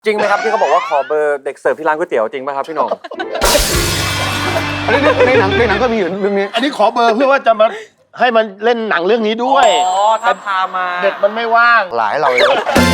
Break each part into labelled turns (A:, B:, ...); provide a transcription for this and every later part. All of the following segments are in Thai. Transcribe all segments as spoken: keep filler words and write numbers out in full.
A: จริงไหมครับที่เขาบอกว่าขอเบอร์เด็กเสิร์ฟที่ร้านก๋วยเตี๋ยวจริงไหมครับพี่หน่อง
B: อันนี้ในหนังในหนังก็มีอยู่เรื่องนี้
C: อันนี้ขอเบอร์เพื่อว่าจะมาให้มันเล่นหนังเรื่องนี้ด้วย
A: อ๋อถ้าพามา
C: เด็กมันไม่ว่าง
D: หลายเราเลย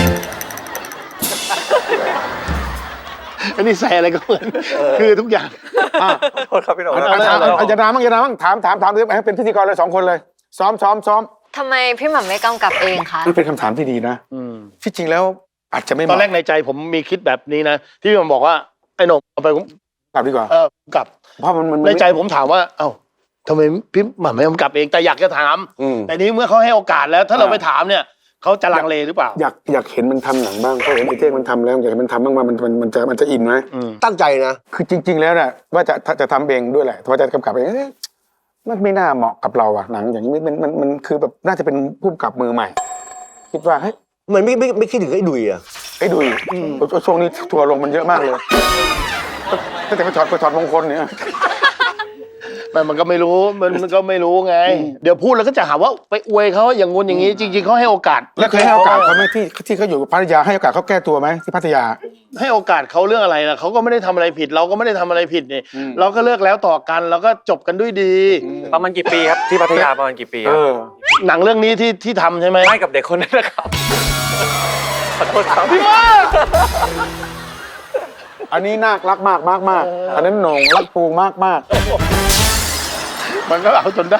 C: อันนี้ใส่อะไรก็เหมือนคือทุกอย่าง
A: โทษครับพี่หน่อง
B: อาจจะดรามั่งจะดรามั่งถามถามถามให้เป็นพิธีกรเลยสองคนเลยซ้อมซ้อมซ้อม
E: ทำไมพี่หม่ำไม่กำกับเองคะ
B: มันเป็นคำถามที่ดีนะที่จริงแล้วอาจจะไม่
C: ตอนแรกในใจผมมีคิดแบบนี้นะที่มันบอกว่าไอ้หนุ่มเอาไป
B: กลับดีกว่า
C: เออกลับ
B: เพราะมัน
C: ในใจผมถามว่าเอ้าทำไมพี่หม่ำไม่กำกับเองแต่อยากจะถามแต่นี้เมื่อเขาให้โอกาสแล้วถ้าเราไปถามเนี่ยเขาจะลังเลหรือเปล่า
B: อยากอยากเห็นมันทำหนังบ้างเพราะเห็นไอ้เท่งมันทำแล้วอยากเห็นมันทำบ้างว่ามันมันมันจะมันจะอินไหม
D: ตั้งใจนะ
B: คือจริง ๆแล้วเนี่ยว่าจะจะทำเองด้วยแหละว่าจะกำกับเองมันไม่น่าเหมาะกับเราอะหนังอย่างนี้มันมันมันคือแบบน่าจะเป็นผู้กำกับมือใหม่คิดว่าเฮ้ย
D: มันไม่ไม่ไม่คิดถึงไอ้ดุยอะ
B: ไอ้ดุยช่วงนี้ทัวร์ลงมันเยอะมากเลยตั้งแต่ไปถอดไปถอดมงคลเนี่ย
C: มันมันก็ไม่รู้มันมันก็ไม่รู้ไงเดี๋ยวพูดแล้วก็จะหาว่าไปอวยเขาอย่างงู้นอย่างนี้จริงๆเขาให้โอกาส
B: แล้วเคยให้โอกาสเขาไหมที่ที่เขาอยู่พัทยาให้โอกาสเขาแก้ตัวไหมที่พัทยา
C: ให้โอกาสเขาเรื่องอะไรล่ะเขาก็ไม่ได้ทำอะไรผิดเราก็ไม่ได้ทำอะไรผิดนี่เราก็เลิกแล้วต่อกันแล้วก็จบกันด้วยดี
A: ประมาณกี่ปีครับที่พัทยาประมาณกี่ปีครับ
C: หนังเรื่องนี้ที่ที่ทำใช่ไหม
A: ไม่กับเด็กคนนั้นนะครับขอโทษครับ
C: พี่ว่า
B: อันนี้นาครักมากมากมากอันนั้นหน่งรักปูมากมาก
C: มันก็เอาจนได้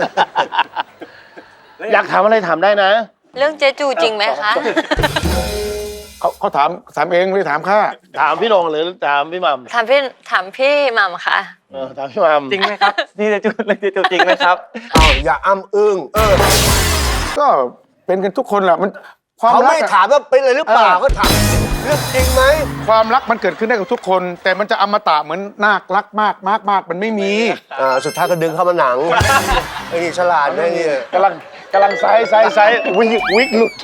C: อยากถามอะไรถามได้นะ
E: เรื่องเจจูจริงไหมคะ
B: เขาเขาถามถามเองไม่ได้ถามข้า
C: ถามพี่นงหรือถามพี่หม่
E: ำถามพี่ถามพี่หม่ำค่ะ
C: เออถามพี่หม่ำ
A: จริงไหมครับนี่เจจูเรื่องเจจูจริงไหมครับ
D: อ้าวอย่าอ้ำอึ้งเออ
B: ก็เป็นกันทุกคนแหละมัน
D: เขาไม่ถามว่าเป็นอะไรหรือเปล่าก็ถามเรื่องจริงไหม
B: ความรักมันเกิดขึ้นได้กับทุกคนแต่มันจะอมตะเหมือนนาครักมากมากมากมันไม่มี
D: อ่าสุดท้ายก็ดึงเข้ามาหนังไอ้นี่ฉลาดไอ้นี่
C: กำลังกำลังไซส์ไซส์ไซส์วิกวิกหลุด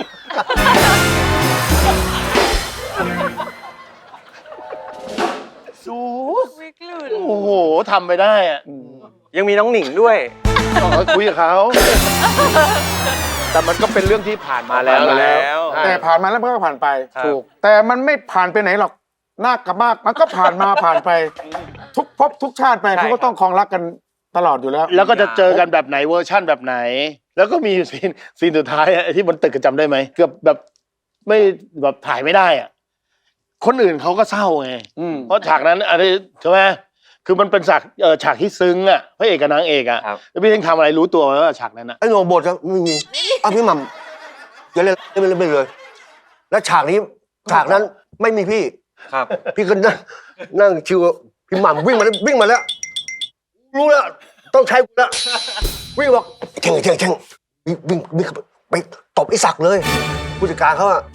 C: สู
E: วิกหลุด
C: โอ้โหทำไปได้อะ
A: ยังมีน้องหนิงด้วย
C: ต้องคุยกับเขาแต่มันก็เป็นเรื่องที่ผ่านมาแล้ว
A: แล้ว
B: แต่ผ่านมาแล้วมันก็ผ่านไปถูกแต่มันไม่ผ่านไปไหนหรอกนาคกับมากมันก็ผ่านมาผ่านไปทุกภพทุกชาติไปเขาก็ต้องครองรักกันตลอดอยู่แล้ว
C: แล้วก็จะเจอกันแบบไหนเวอร์ชั่นแบบไหนแล้วก็มีซีนซีนสุดท้ายไอ้ที่บนตึกจำได้ไหมเกือบแบบไม่แบบถ่ายไม่ได้อ่ะคนอื่นเขาก็เศร้าไงเพราะฉากนั้นอะไรใช่ไหมคือมันเป็นฉากเออฉากที่ซึ้งอ่ะพระเอกกับนางเอกอ่ะแล้วพี่เท่งทำอะไรรู้ตัวไหมว่าฉากนั้นอ่ะ
D: ไอ้โหนบทครับไม่มีอ้าวพี่หม่ำอย่าเล่นไม่เล่นไปเลยแล้วฉากนี้ฉากนั้นไม่มีพี่
A: ครับ
D: พี่ก็นั่งนั่งชิวพี่หม่ำวิ่งมาวิ่งมาแล้วรู้แล้วต้องใช้กูแล้ววิ่งบอกเช่งเช่งเช่งวิ่งวิ่งไปตบไอ้ศักดิ์เลยผู้จัดการเขาอะ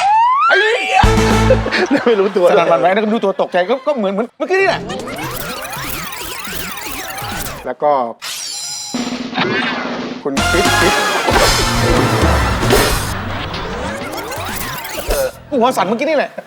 C: ไม่รู้ตัว
B: สนั่นหวั่นไหวแล้วก็ดูตัวตกใจก็ก็เหมือนเหมือนเมื่อกี้นี่แหละแล้วก็คุณปิ๊ดปิ๊ดหัวสั่นเมื่อกี้นี่แหละ